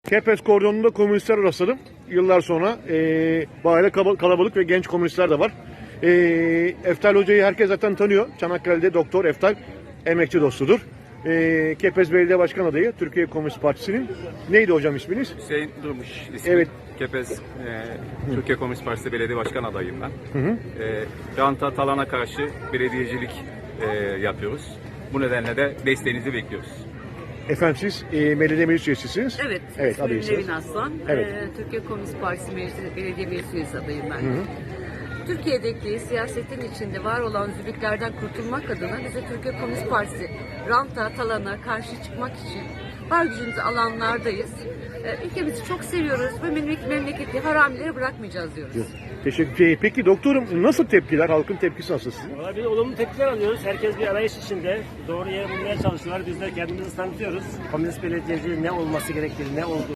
Kepez kordonunda komünistler rastladım. Yıllar sonra bayağı kalabalık ve genç komünistler de var. Eftal Hoca'yı herkes zaten tanıyor. Çanakkale'de Doktor Eftal emekçi dostudur. Kepez Belediye Başkan adayı Türkiye Komünist Partisi'nin. Neydi hocam isminiz? Hüseyin Durmuş ismi. Evet. Kepez Türkiye Komünist Partisi Belediye Başkan adayım ben. Ranta, talana karşı belediyecilik yapıyoruz. Bu nedenle de desteğinizi bekliyoruz. Efendim siz belediye meclis üyesisiniz. Evet, Evet, ismim adaysınız. Nevin Aslan. Evet. Türkiye Komünist Partisi Belediye Meclis Üyesi adayım ben. Türkiye'deki siyasetin içinde var olan zübüklerden kurtulmak adına bize Türkiye Komünist Partisi ranta, talana karşı çıkmak için var gücümüzü alanlardayız. Ülkemizi çok seviyoruz ve memleketi haramileri bırakmayacağız diyoruz. Teşekkür. Peki doktorum nasıl tepkiler? Halkın tepkisi nasıl sizin? Valla biz olumlu tepkiler alıyoruz. Herkes bir arayış içinde. Doğru yere bulmaya çalışıyorlar. Biz de kendimizi tanıtıyoruz. Komünist belediyeci ne olması gerektiğini, ne olduğu